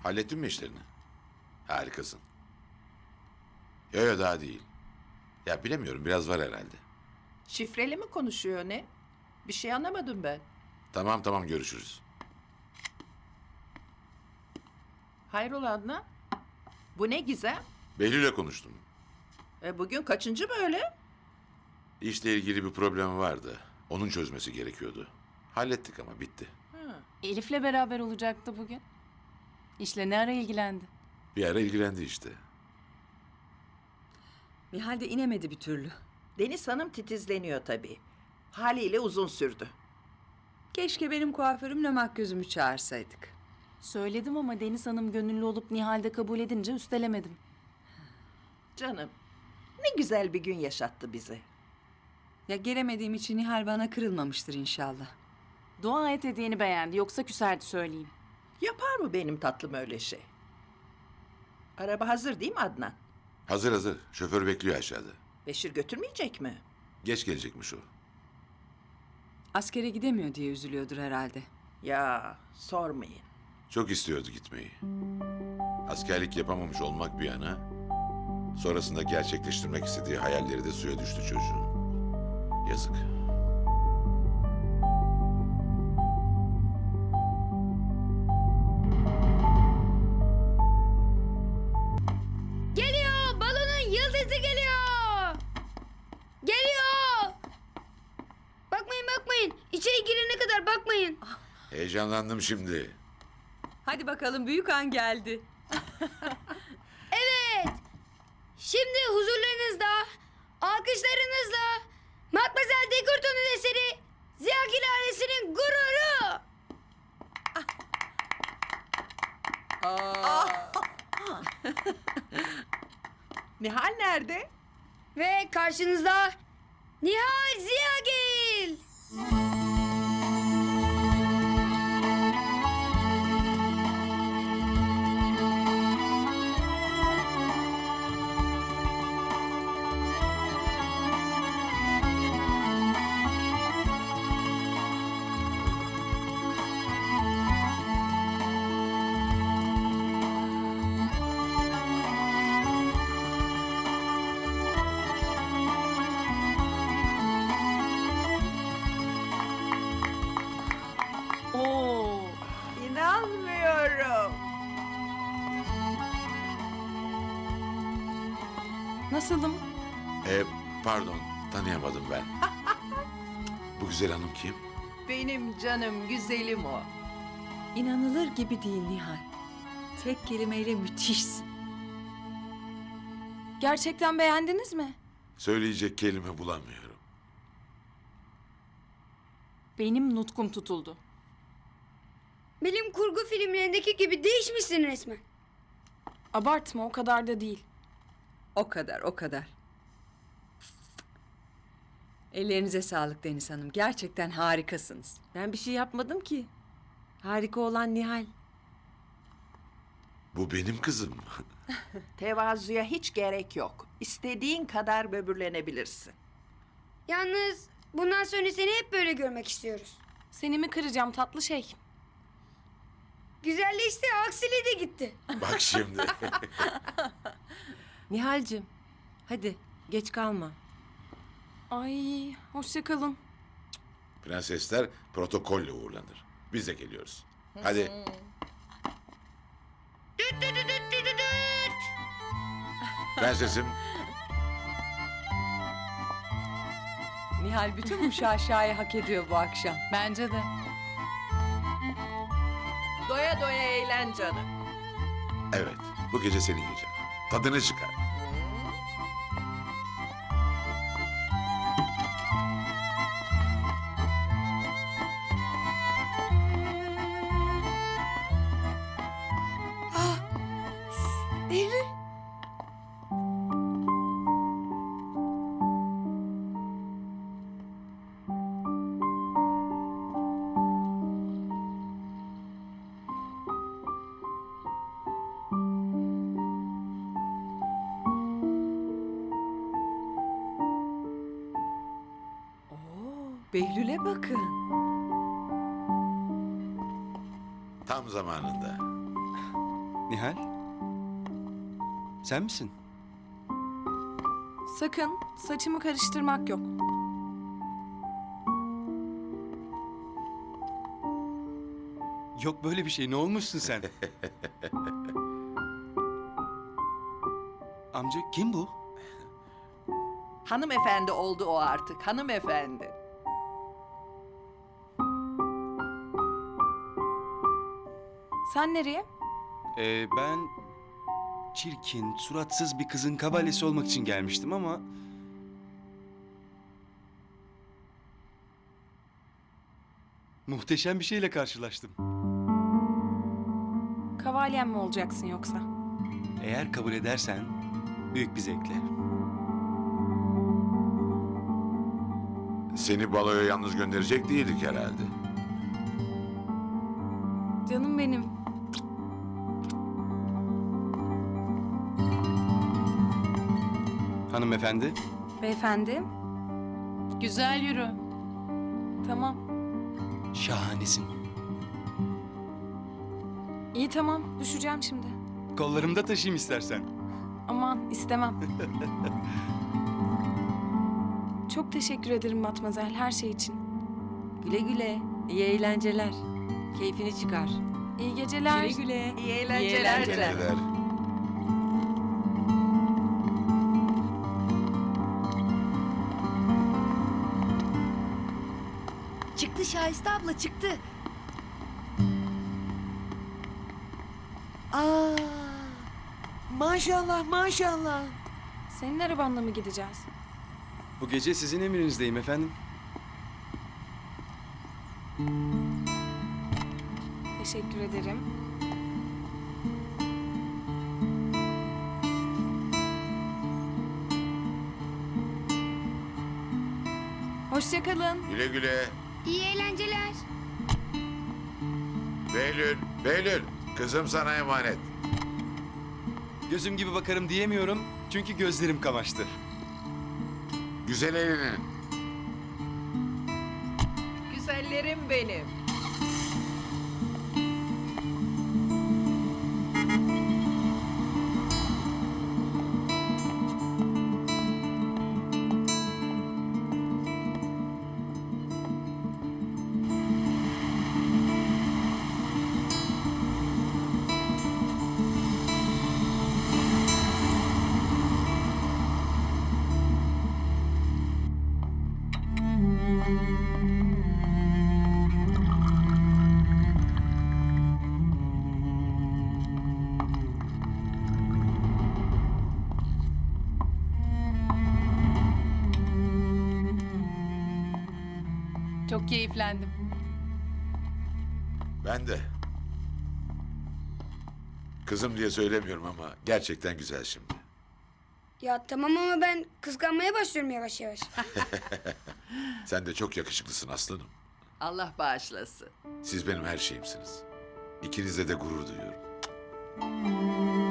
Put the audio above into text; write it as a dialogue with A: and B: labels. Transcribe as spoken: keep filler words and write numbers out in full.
A: Hallettin mi işlerini? Harikasın. Yo yo daha değil. Ya bilemiyorum biraz var herhalde.
B: Şifreli mi konuşuyor ne? Bir şey anlamadım ben.
A: Tamam tamam görüşürüz.
B: Hayrola Adnan? Bu ne gizem?
A: Behlül'le konuştum.
B: E, bugün kaçıncı böyle?
A: İşle ilgili bir problemi vardı. Onun çözmesi gerekiyordu. Hallettik ama bitti.
B: Ha.
C: Elif'le beraber olacaktı bugün. İşle ne ara ilgilendi?
A: Bir ara ilgilendi işte.
D: Nihal de inemedi bir türlü.
B: Deniz Hanım titizleniyor tabii. Haliyle uzun sürdü.
D: Keşke benim kuaförümle makyözümü çağırsaydık.
C: Söyledim ama Deniz Hanım gönüllü olup Nihal'de kabul edince üstelemedim.
B: Canım, ne güzel bir gün yaşattı bize.
D: Ya gelemediğim için Nihal bana kırılmamıştır inşallah.
C: Dua et hediyeni beğendi, yoksa küserdi söyleyeyim.
B: Yapar mı benim tatlım öyle şey? Araba hazır değil mi Adnan?
A: Hazır hazır. Şoför bekliyor aşağıda.
B: Beşir götürmeyecek mi?
A: Geç gelecekmiş o.
D: Askere gidemiyor diye üzülüyordur herhalde.
B: Ya sormayın.
A: Çok istiyordu gitmeyi. Askerlik yapamamış olmak bir yana, sonrasında gerçekleştirmek istediği hayalleri de suya düştü çocuğun. Yazık.
E: Geliyor! Balonun yıldızı geliyor! Geliyor! Bakmayın bakmayın. İçeri girene kadar bakmayın.
A: Heyecanlandım şimdi.
D: Hadi bakalım büyük an geldi.
E: Evet. Şimdi huzurlarınızda, alkışlarınızla Matmazel Dekurton'un eseri Ziyagil ailesinin gururu.
B: Nihal nerede?
E: Ve karşınızda Nihal Ziyagil.
C: Oo.
B: İnanmıyorum.
C: Nasılım?
A: E, pardon, tanıyamadım ben. Bu güzel hanım kim?
B: Benim canım güzelim o.
D: İnanılır gibi değil Nihal. Tek kelimeyle müthişsin.
C: Gerçekten beğendiniz mi?
A: Söyleyecek kelime bulamıyorum.
C: Benim nutkum tutuldu.
E: Bilim kurgu filmlerindeki gibi değişmişsin resmen.
C: Abartma, o kadar da değil.
D: O kadar, o kadar. Ellerinize sağlık Deniz Hanım. Gerçekten harikasınız.
F: Ben bir şey yapmadım ki. Harika olan Nihal.
A: Bu benim kızım.
B: Tevazuya hiç gerek yok. İstediğin kadar böbürlenebilirsin.
E: Yalnız bundan sonra seni hep böyle görmek istiyoruz.
C: Seni mi kıracağım tatlı şey?
E: Güzelleşti, aksiliği de gitti.
A: Bak şimdi.
F: Nihal'cim, hadi geç kalma.
C: Ay, hoşça kalın.
A: Prensesler protokolle uğurlanır. Biz de geliyoruz. Hadi.
E: Düt düt düt düt düt düt düt.
A: Prensesim.
D: Nihal bütün bu şaşayı hak ediyor bu akşam.
C: Bence de.
B: Doya doya eğlen canım.
A: Evet, bu gece senin gecen. Tadını çıkar.
E: Eylül.
D: Behlül'e bakın.
A: Tam zamanında.
G: Nihal? Sen misin?
C: Sakın saçımı karıştırmak yok.
G: Yok böyle bir şey. Ne olmuşsun sen? Amca kim bu?
B: Hanımefendi oldu o artık, hanımefendi.
C: Sen nereye?
G: Ee, ben çirkin, suratsız bir kızın kavalesi olmak için gelmiştim ama... Muhteşem bir şeyle karşılaştım.
C: Kavalyen mi olacaksın yoksa?
G: Eğer kabul edersen büyük bir zevkle.
A: Seni baloya yalnız gönderecek değildik herhalde.
C: Canım benim.
G: Hanımefendi,
C: Beyefendi. Güzel yürü. Tamam.
G: şahanesin.
C: İyi tamam. Düşeceğim şimdi.
G: Kollarımda taşıyayım istersen.
C: Aman istemem. Çok teşekkür ederim Matmazel her şey için.
F: Güle güle. İyi eğlenceler. Keyfini çıkar.
C: İyi geceler.
F: Güle güle.
B: İyi eğlenceler.
F: eğlenceler.
A: Neler?
E: Çıktı Şahiste abla çıktı.
F: Aa, maşallah maşallah.
C: Senin arabanla mı gideceğiz?
G: Bu gece sizin emrinizdeyim efendim.
C: Teşekkür ederim. Hoşça kalın.
A: Güle güle.
E: İyi eğlenceler.
A: Behlül, Behlül. Kızım sana emanet.
G: Gözüm gibi bakarım diyemiyorum çünkü gözlerim kamaştı.
A: Güzel eğlenin.
B: Güzellerim benim.
C: Çok keyiflendim.
A: Ben de. Kızım diye söylemiyorum ama gerçekten güzel şimdi.
E: Ya tamam ama ben kıskanmaya başlıyorum yavaş yavaş.
A: Sen de çok yakışıklısın aslanım.
B: Allah bağışlasın.
A: Siz benim her şeyimsiniz. İkinizle de gurur duyuyorum.